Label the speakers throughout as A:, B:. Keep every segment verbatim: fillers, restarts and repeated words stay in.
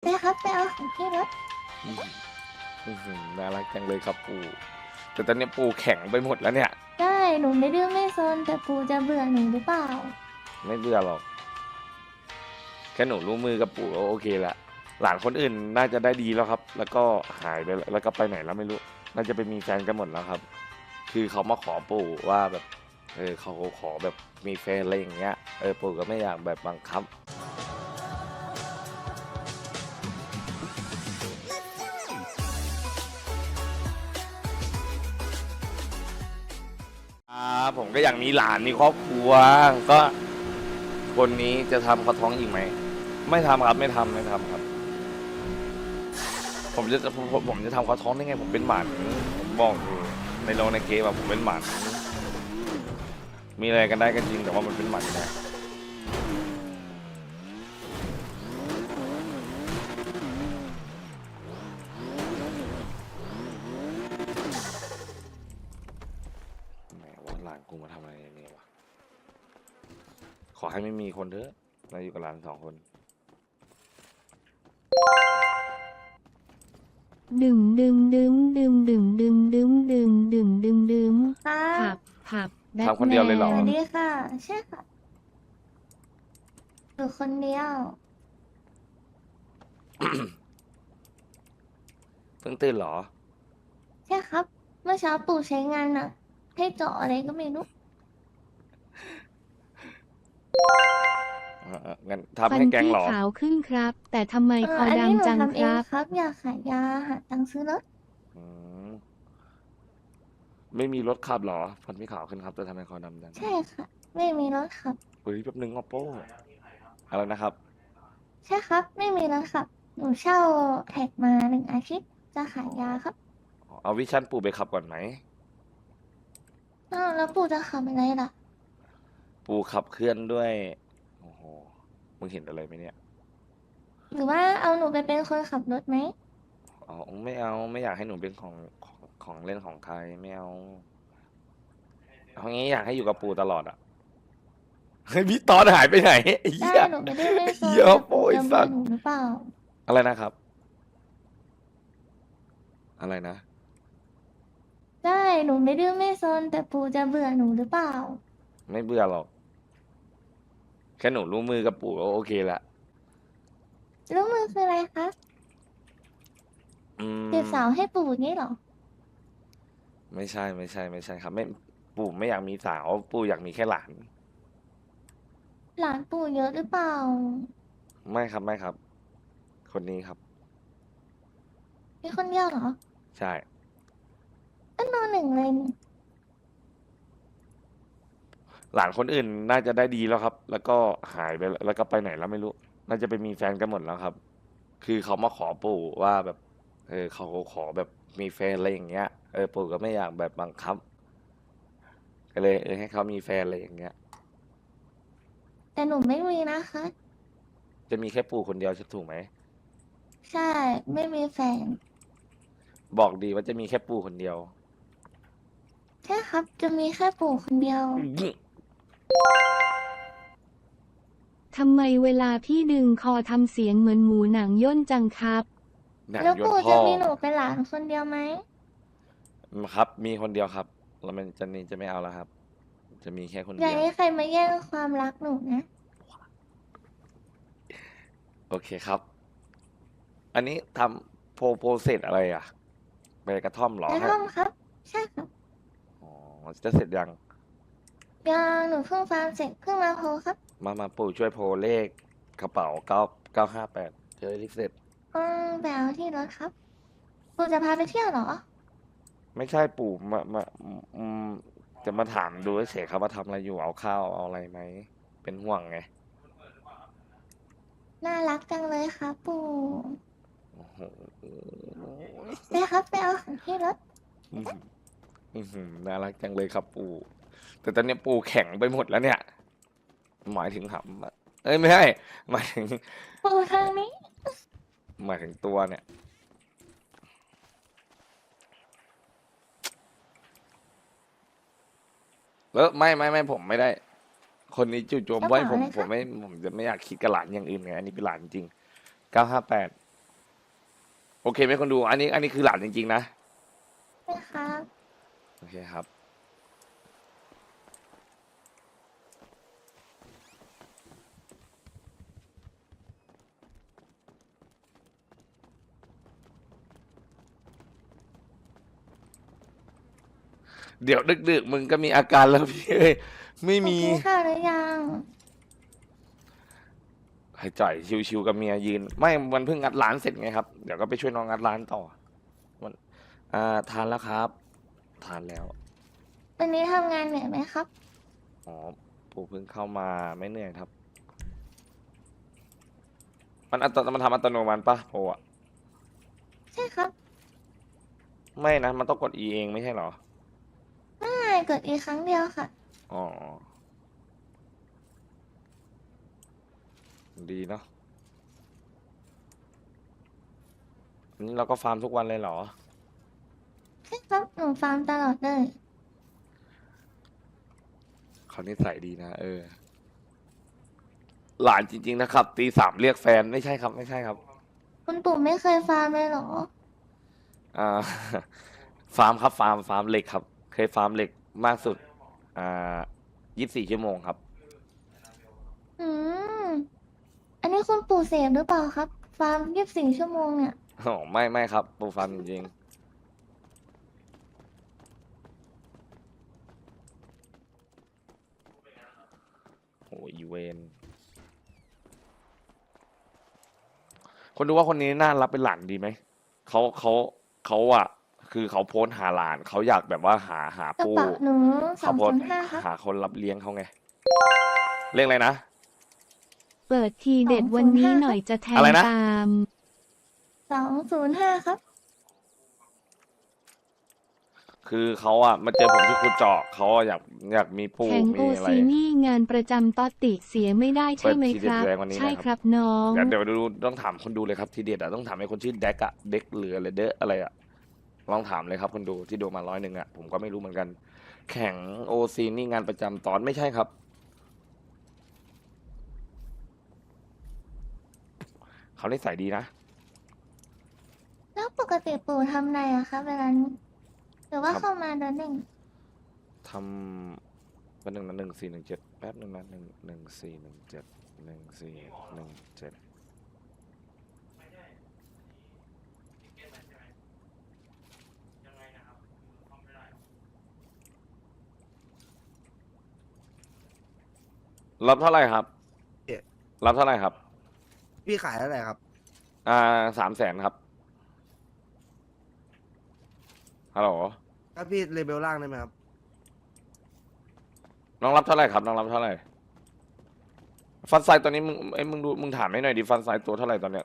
A: ไปครับไปเอาของที่รถ
B: อืมอื้อหือน่ารักจังเลยครับปู่แต่ตอนนี้ปู่แข็งไปหมดแล้วเนี่ย
A: ได้หนูไม่ดื้อไม่ซนแต่ปู่จะเบื่อหนูหรือเปล่า
B: ไม่เบื่อหรอกแค่หนูรู้มือกับปู่ก็โอเคละหลานคนอื่นน่าจะได้ดีแล้วครับ แล้วก็หายไปแล้วแล้วก็ไปไหนแล้วไม่รู้น่าจะไปมีแฟนกันหมดแล้วครับคือเขามาขอปู่ว่าแบบเออเขาขอแบบมีแฟนอะไรอย่างเงี้ยเออปู่ก็ไม่อยากแบบบังคับอ่าผมก็อยากมีหลานมีครอบครัวก็คนนี้จะทำเขาท้องอีกไหมไม่ทำครับไม่ทำไม่ทำครับ ผมจะผมผมผมจะทำเขาท้องได้ไงผมเป็นหมันผมบอกอยู่ในโรงในเกมแบบผมเป็นหมันมีอะไรกันได้ก็จริงแต่ว่ามันเป็นหมันนะแหมว่าหลานกูมาทำอะไรเนี่ยวะขอให้ไม่มีคนเถอะเราอยู่กับหลานสองคน
C: ดึงดึงดึงดึงดึงดึงดึงดึงดึงดึงดึง
A: ค่ะ
C: ผับผับแบท
B: ทำคน
C: แม
B: เดียวเลยเหรอ
A: สวัส
C: น
A: ดีค่ะใช่ค่ะอยู่คนเดียว
B: เพิ่งตื่นเหรอ
A: ใช่ครับเมื่อเช้าปู่ใช้งานหนักให้เจาะอะไรก็ไม่รู้
B: เออเอองั้นทำ
C: ฟัน
B: ให้แกง
C: พี่
B: เหรอ
C: ขาวขึ้นครับ แต่ทำไม
A: เออ
C: คอ
A: อันนี้หนู
C: ดำจัง
A: ทำเอง
C: ครับ
A: ครับอยากขายยาหาตังค์ซื้อรถ
B: อืมไม่มีรถขับเหรอฟันไม่ขาวขึ้นครับแต่ทำไมคอดำจัง
A: ใช่ค่ะไม่มีรถขับ
B: เฮ้ยแป๊บนึงออโป้อะไรนะครับ
A: ใช่ครับไม่มีรถขับหนูเช่าแท็กมาหนึ่งอาทิตย์จะขายยาครับ
B: เอาวิชั่นปู่ไปขับก่อนไหม
A: อ้าวแล้วปู่จะขับอะไรล่ะ
B: ปูขับเคลื่อนด้วยโอ้โหมึงเห็นอะไรไหมเนี่ย
A: หรือว่าเอาหนูไปเป็นคนขับรถไหม
B: อ๋อไม่เอาไม่อยากให้หนูเป็นของของของเล่นของใครไม่เอาเพราะงี้อยากให้อยู่กับปูตลอดอ่ะเฮ้ยพี่ตอนหายไปไหนไอ้
A: ได้
B: เหี้ย
A: หนูไม่ได้ไม่ซน
B: เหี้ย
A: แต่
B: โป้ย
A: ปู่จะเบื่
B: สัตว์
A: อหนูหรือเปล่า
B: อะไรนะครับอะไรนะ
A: ได้หนูไม่ดื้อไม่ซนแต่ปู่จะเบื่อหนูหรือเปล่า
B: ไม่เบื่อหรอกแค่หนูรู้มือกับปู่ก็โอเคละ
A: รู้มือคืออะไรคะ
B: อื
A: จีบ
B: ม
A: สาวให้ปู่งี้เหรอ
B: ไม่ใช่ไม่ใช่ไม่ใช่ครับไม่ปู่ไม่อยากมีสาวปู่อยากมีแค่หลาน
A: หลานปู่เยอะหรือเปล่า
B: ไม่ครับไม่ครับคนนี้ครับ
A: มีคนเดียวเหรอ
B: ใช่
A: ก็นอนหนึ่งเลยนี่
B: หลานคนอื่นน่าจะได้ดีแล้วครับ แล้วก็หายไปแล้วแล้วก็ไปไหนแล้วไม่รู้น่าจะไปมีแฟนกันหมดแล้วครับ คือเขามาขอปู่ว่าแบบเออเขาขอแบบมีแฟนอะไรอย่างเงี้ยเออปู่ก็ไม่อยากแบบบังคับก็เลยเออให้เขามีแฟนอะไรอย่างเงี้ย
A: แต่หนูไม่มีนะคะ
B: จะมีแค่ปู่คนเดียวใช่ถูกไหม
A: ใช่ไม่มีแฟน
B: บอกดีว่าจะมีแค่ปู่คนเดียว
A: ใช่ครับจะมีแค่ปู่คนเดียว
C: ทำไมเวลาพี่ดึงคอทำเสียงเหมือนหมูหนังย่นจังครับ
B: หนัง
A: แล้วปู่
B: ยนต์พ่อ
A: จะมีหนูเป็นหลานคนเดียวไหม
B: ครับ มีคนเดียวครับแล้วมันจะนี่จะไม่เอาแล้วครับ จะมีแค่คน
A: อย่า
B: เดียว
A: ให้ใครมาแย่งความรักหนูนะ
B: โอเคครับ อันนี้ทำโปรโปรเซสอะไรอ่ะไปกระท่อมเหรอ
A: แล้ว
B: ฮะ
A: ท่อมครับใช่ครับ
B: อ๋อจะเสร็จยัง
A: ยังหนูเพิ่งฟาร์มเสร็จเพิ่งมาโพลครับ
B: มามาปู่ช่วยโพลเลขกระเป๋าเก้าเก้าห้าแปดเจอลิขเสร็จ
A: อืมไปเอาที่รถครับปู่จะพาไปเที่ยวเหรอ
B: ไม่ใช่ปู่มามาอืมจะมาถามดูเฉยๆครับว่าทำอะไรอยู่เอาข้าวเอาอะไรไหมเป็นห่วงไง
A: น่ารักจังเลยครับปู่
B: โอ้โห
A: ไปครับไปเอาของที่รถ
B: อื้อหืออื้อหือน่ารักจังเลยครับปู่แต่ตอนนี้ปู่แข็งไปหมดแล้วเนี่ยหมายถึงหำอะเอ้ยไม่ใช่หมายถึง
A: ปู่ทางนี้
B: หมายถึงตัวเนี่ยแล้วไม่ไม่ไม่ผมไม่ได้ คนนี้จู่โจม
A: กระ
B: ไว้
A: เป๋า
B: ผม
A: อะไรคะ
B: ผมไม่ผมจะไม่อยากคิดกับหลานอย่างอื่นไงอันนี้เป็นหลานจริงเก้าห้าแปดโอเคไหมคนดู อันนี้อันนี้คือหลานจริงๆนะ
A: นะครับ
B: โอเคครับ เดี๋ยวดึกๆมึงก็มีอาการแล้วพี่เอ้ยไม่มี
A: กินข้าวหรือยัง
B: ให้จ่อยชิวๆกับเมียยืน ไม่มันเพิ่งงัดร้านเสร็จไงครับ เดี๋ยวก็ไปช่วยน้องงัดร้านต่อมันอ่าทานแล้วครับ ทานแล้ว
A: วันนี้ทำงานเหนื่อยไหมครับ
B: อ๋อปู่เพิ่งเข้ามาไม่เหนื่อยครับ มันอัตมันทำอัตโนมัติปะโปอะ
A: ใช่ครับ
B: ไม่นะ มันต้องกด E เองไม่ใช่เหรอ
A: ไม่กดอีกครั้งเดียวค่ะ
B: อ๋อ ดีเนาะอันนี้เราก็ฟาร์มทุกวันเลยเหรอ
A: ใช่ครับ หนูฟาร์มตลอดเลย
B: เขานิสัยดีนะ เออ หลานจริง ๆ นะครับ ตีสามเรียกแฟนไม่ใช่ครับ ไม่ใช่ครับ
A: คุณปู่ไม่เคยฟาร์มเลยเหรอ
B: อ่า ฟาร์มครับ ฟาร์ม ฟาร์มเหล็กครับ เคยฟาร์มเหล็กมากสุด อ่ายี่สิบสี่ชั่วโมงครับ
A: อืม อันนี้คุณปู่เสพหรือเปล่าครับ ฟาร์มยี่สิบสี่ชั่วโมงเนี่ย
B: อ๋อ ไม่ไม่ครับ ปูฟาร์มจริงๆโอ้ยอีเวนคนดูว่าคนนี้น่ารับเป็นหลานดีไหม เขาเขาเขาอะคือเขาโพสต์หาหลาน เขาอยากแบบว่าหาหาก
A: ระ
B: ปู
A: เป๋าหนูสอ
B: เขา
A: ง
B: โพส
A: ศูน
B: ต์
A: ย์ห้าครับ
B: หาคนรับเลี้ยงเขาไง เรียกอะไรนะ
C: เปิดทีเด็ดวันนี้หน่อยจะแทง
B: อะไรนะ
C: ตาม
A: สองศูนย์ห้าครับ
B: คือเขาอะมาเจอผมที่ขุดเจาะเขาอะอยากอยากมีปู
C: แข่งโอ
B: มีอะไร
C: ซีนี่งานประจำตอติเสียไม่ได้ใช่ไหม
B: เปิดที
C: ค
B: เด็ด
C: รับ
B: แรงวันนี้
C: ใช่
B: นะครับ
C: ครับน้อง
B: เดี๋ยวเดี๋ยวดูต้องถามคนดูเลยครับทีเด็ดอะต้องถามไอ้คนชื่อเด็กอะเด็กหรืออะไรเดอะอะไรอะลองถามเลยครับคนดูที่ดูมาร้อยหนึ่งอะผมก็ไม่รู้เหมือนกัน แข่งโอซีนี่งานประจำตอนไม่ใช่ครับ เขานิสัยดีนะ
A: แล้วปกติปู่ทำอะไรอะครับเวลานี้หรือว่า
B: ครับ
A: เข้ามาเดินเล่น
B: ทำวันหนึ่งนะหนึ่งสี่หนึ่งเจ็ดแป๊บหนึ่งนะหนึ่งหนึ่งสี่หนึ่งเจ็ดหนึ่งสี่หนึ่งเจ็ดรับเท่าไหร่ครับ
D: เอ๊ะ
B: รับเท่าไหร่ครับ
D: พี่ขายเท่าไหร่ครับ
B: อ่าสามแสนครับฮัลโหล
D: ถ้าพี่เลเบลล่างได้ไหมครับ
B: น้องรับเท่าไหร่ครับน้องรับเท่าไหร่ฟันไซตัวนี้มึงไอ้ยมึงดูมึงถามให้หน่อยดิฟันไซตัวเท่าไหร่ตอนเนี้ย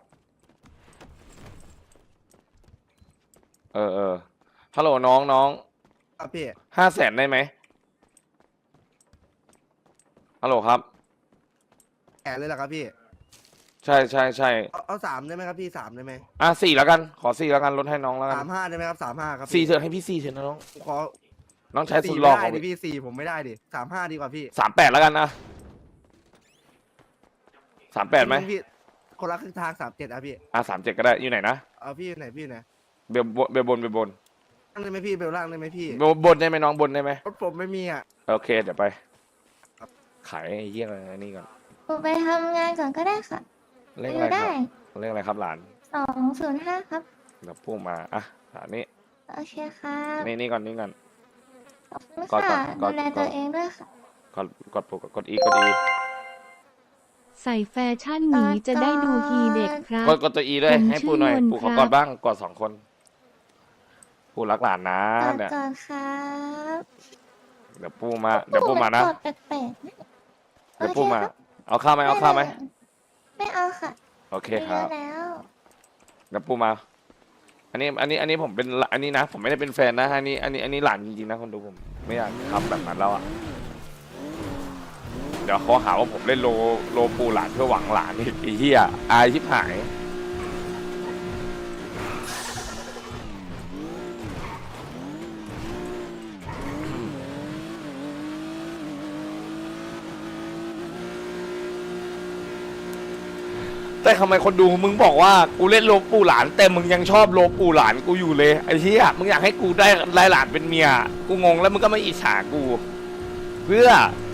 B: เออเออฮัลโหลน้องน้อง
D: ครับพี่
B: ห้าแสนได้ไหมฮัลโหลครับ
D: แอนเลยเหรอครับพี่
B: ใช่ใช่ใช่
D: เอาเอาสามได้ไหมครับพี่สามได้ไหม
B: อ่ะสี่แล้วกัน ขอสี่แล้วกันลดให้น้องแล้วกั
D: สาน มห้าได้ไหมครับสามห้าครับ
B: สี่
D: พี่
B: เถอะให้พี่สี่เถอะนะน้อง
D: ขอ
B: น้องใช้สุ
D: สี่
B: ดหล่
D: ไม่
B: อ
D: ได้
B: ของ
D: ดิพี่สี่ผมไม่ได้ดิสามห้าดีกว่าพี่
B: สามแปดแล้วกันนะสามแปดไหม
D: พี่คนละครึ่งทางสามเจ็ดอะพี่
B: อ่ะสามเจ็ดก็ได้อยู่ไหนนะ
D: เอาพี่อยู่ไหนพี่อยู่ไหน
B: เบลบนเบลบนเบลบน
D: ล่างได้ไหมพี่เบลล่างได้ไหมพี่
B: เบลบนได้ไหมน้องบนได้ไหม
D: รถผมไม่มีอ่ะ
B: โอเคเดี๋ยวไป ขายไอ้เหี้ยอะไรนี่ก่อน
A: ปู่ไปทำงานก่อนก็ได้ค่ะ
B: เลข
A: อ
B: อะไร
A: ยู่
B: ค
A: ได้
B: รับเลขอะไรครับหลาน
A: สองศูนย์ห้าครับ
B: เดี๋ยวพูดมาอ่ะอันนี้
A: โอเคครับ
B: นี่นี่ก่อนนี่ก่อน
A: ขอบคุณ
B: ก่อน
A: ค่ะ
B: ก่อน
A: ดูแล
B: ก่
A: ตั
B: อ
A: วน เองด้วยค่ะ
B: กดกดปุ่มกดอีกดอี
C: ใส่แฟชั่นหมีจะได้ดูฮีเด็กครับ
B: กดกดตัวอีด้วย
C: ผม
B: ให้ปูหน่อย
C: ชื่อมน
B: ปูขอ
C: ครับ
B: กอดบ้างกอดสองคนปูรักหลานนะ
A: กอด
B: เนี่ย
A: ก่อนครับ
B: เดี๋ยวปูมาเดี๋ยวปูมานะ
A: กอดแปลกๆนะ
B: เดี๋ยวปูมา
A: โอเคครับ
B: เอาข้าวไหมเอาข้าวไหม
A: ไม่เอาค่ะ
B: โอเค
A: ไม่
B: ครับ
A: เอาแล้ว
B: เดี๋ยวปูมา อันนี้อันนี้อันนี้ผมเป็นอันนี้นะ ผมไม่ได้เป็นแฟนนะอันนี้อันนี้อันนี้หลานจริงๆนะคนดูผมไม่อยากทำแบบนั้นแล้วอ่ะเดี๋ยวเขาหาว่าผมเล่นโลโลปูหลานเพื่อหวังหลานอีกไอ้เหี้ยอายชิบหายแต่ได้ทำไมคนดูมึงบอกว่ากูเล่นโลปู่หลานแต่มึงยังชอบโลปู่หลานกูอยู่เลยไอ้เหี้ยมึงอยากให้กูได้ได้หลานเป็นเมียกูงงแล้วมึงก็ไม่อิจฉากู เพื่อ